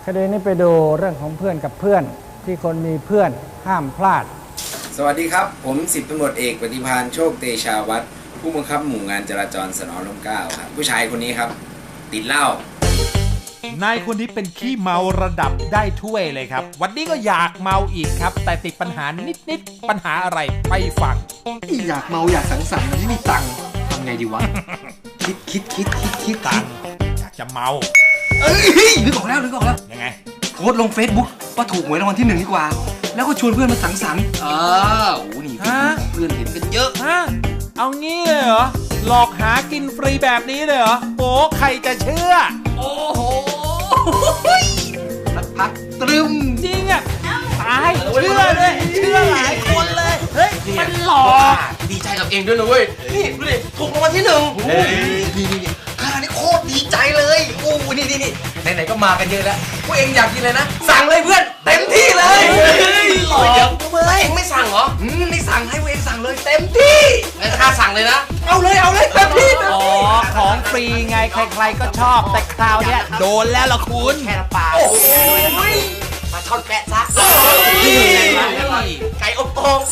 ดีนี้ไปดูเรื่องของเพื่อนกับเพื่อนที่คนมีเพื่อนห้ามพลาดสวัสดีครับผม10ตำรวจเอกปฏิภาณโชคเตชาวัฒน์ผู้บังคับหมู่งานจราจรสน.ร่มเกล้าครับผู้ชายคนนี้ครับติดเหล้านายคนนี้เป็นขี้เมาระดับได้ถ้วยเลยครับวันนี้ก็อยากเมาอีกครับแต่ติดปัญหานิดปัญหาอะไรไปฟังอยากเมาอยากสังสรรค์ไม่มีตังค์ทำไงดีวะ คิดตังค์อยากจะเมานึกออกแล้วยังไงโพสต์ลง Facebook ว่าถูกหวยรางวัลที่1ดีกว่าแล้วก็ชวนเพื่อนมาสังสรรค์โอ้นี่เพื่อนเห็นกันเยอะเอางี้เลยเหรอหลอกหากินฟรีแบบนี้เลยเหรอโอ้ใครจะเชื่อโอ้โหสักพักตรึมจริงอ่ะตายเชื่อเลยเชื่อหลายคนเลยเฮ้ยมันหลอกดีใจกับเองด้วยนะเว้ยนี่ดูดิถูกรางวัลที่1นี่ข้านี่โคตรดีใจเลยโอ้นี่ไหนๆก็มากันเยอะแล้วพวกเองอยากกินเลยนะสั่งเลยเพื่อนเต็มที่เลยหลอกเยอะเองไม่สั่งเหรอนี่สั่งให้พวกเองสั่งเลยเต็มที่งั้นข้าสั่งเลยนะเอาเลยเต็มที่อ๋อของฟรีไงใครๆก็ชอบแต่คราวเนี้ยโดนแล้วล่ะคุณแค่ละปากโอ้ยมาช่อนแปะซะไก่อบโอ่ง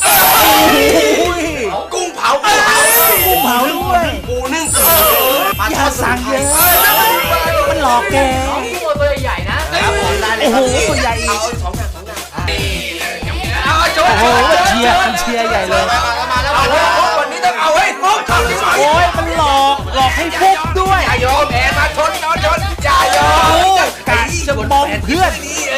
กุ้งเผาด้วยปูนึ่งปลาทอดสั่งเยอะมันหลอกแกตัวใหญ่นะโอ้โหตัวใหญ่เอา2 อย่างเอาโอ้โหเชียร์ใหญ่เลยมาแล้ววันนี้ต้องเอาให้ฟุกโอ้ยมันหลอกให้ฟุกด้วยอย่ายอมแอบมาชนอย่ายอมกะจะมองเพื่อน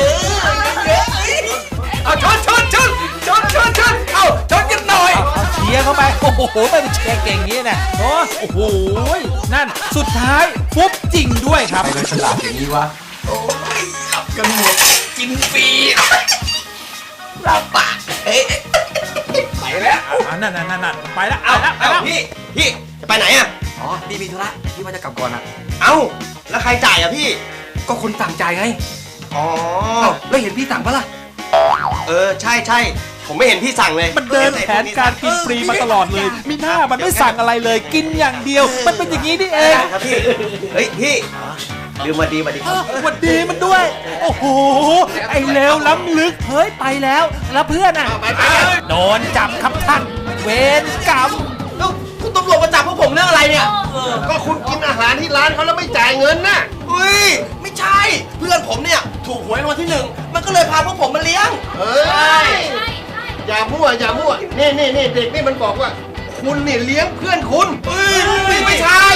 เอาชนเอาชนกันหน่อยเชียร์เข้าไปโอ้โหไม่เป็นเชียร์เก่งงี้เนี่ยโอ้โหนั่นสุดท้ายฟุบจริงด้วยครับใครเป็นฉลาดอย่างนี้วะโอ้ยขับกันหมดกินฟรีลาปากไปแล้วนั่นไปแล้วพี่จะไปไหนอ่ะอ๋อพี่มีธุระพี่ว่าจะกลับก่อนอ่ะเอ้าแล้วใครจ่ายอ่ะพี่ก็คนสั่งจ่ายไงอ๋อแล้วเห็นพี่สั่งปะล่ะใช่ผมไม่เห็นพี่สั่งเลยมันเดินแผนการกินฟรีมาตลอดเลยมีหน้ามันไม่สั่งอะไรเลยกินอย่างเดียวมันเป็นอย่างนี้นี่เองครับพี่เฮ้ยพี่ลืมมาดีวันดีมันด้วยโอ้โหไอ้เลวล้ำลึกเฮ้ยไปแล้วเพื่อนอ่ะโดนจับครับท่านเวรกรรมแล้วคุณตำรวจมาจับพวกผมเรื่องอะไรเนี่ยก็คุณกินอาหารที่ร้านเขาแล้วไม่จ่ายเงินน่ะอุ้ยไม่ใช่เพื่อนผมเนี่ยถูกหวยรางวัลที่1มันก็เลยพาพวกผมมาเลี้ยงใช่อย่ามั่วนี่เด็กนี่มันบอกว่าคุณนี่เลี้ยงเพื่อนคุณไม่ใช่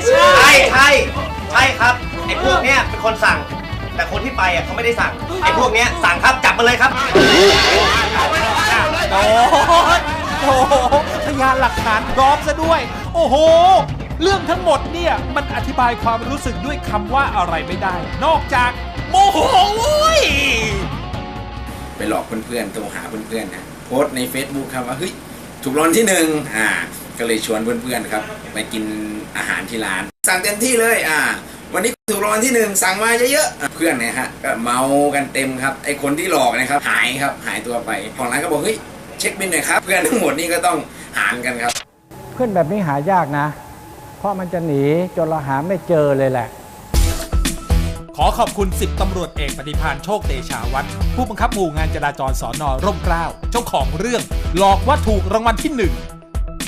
ครับไอ้พวกเนี้ยเป็นคนสั่งแต่คนที่ไปอ่ะเขาไม่ได้สั่งไอ้พวกเนี้ยสั่งครับจับมาเลยครับโอ้โหพยานหลักฐานพร้อมซะด้วยโอ้โหเรื่องทั้งหมดเนี่ยมันอธิบายความรู้สึกด้วยคำว่าอะไรไม่ได้นอกจากโมโหไปหลอกเพื่อนๆโทรหาเพื่อนๆนะโพสต์ใน Facebook ครับว่าเฮ้ยถูกรางวัลที่1ก็เลยชวนเพื่อนๆครับไปกินอาหารที่ร้านสั่งเต็มที่เลยวันนี้ถูกรางวัลที่1สั่งมาเยอะๆเพื่อนเนี่ยฮะก็เมากันเต็มครับไอคนที่หลอกนะครับหายตัวไปของร้านก็บอกเฮ้ยเช็คบิลหน่อยครับเพื่อนทั้งหมดนี่ก็ต้องหารกันครับเพื่อนแบบนี้หายากนะเพราะมันจะหนีจนเราหาไม่เจอเลยแหละขอขอบคุณ10ตำรวจเอกปฏิภาณโชคเตชาวัฒน์ผู้บังคับหมู่งานจราจรสน.ร่มเกล้าเจ้าของเรื่องหลอกว่าถูกรางวัลที่1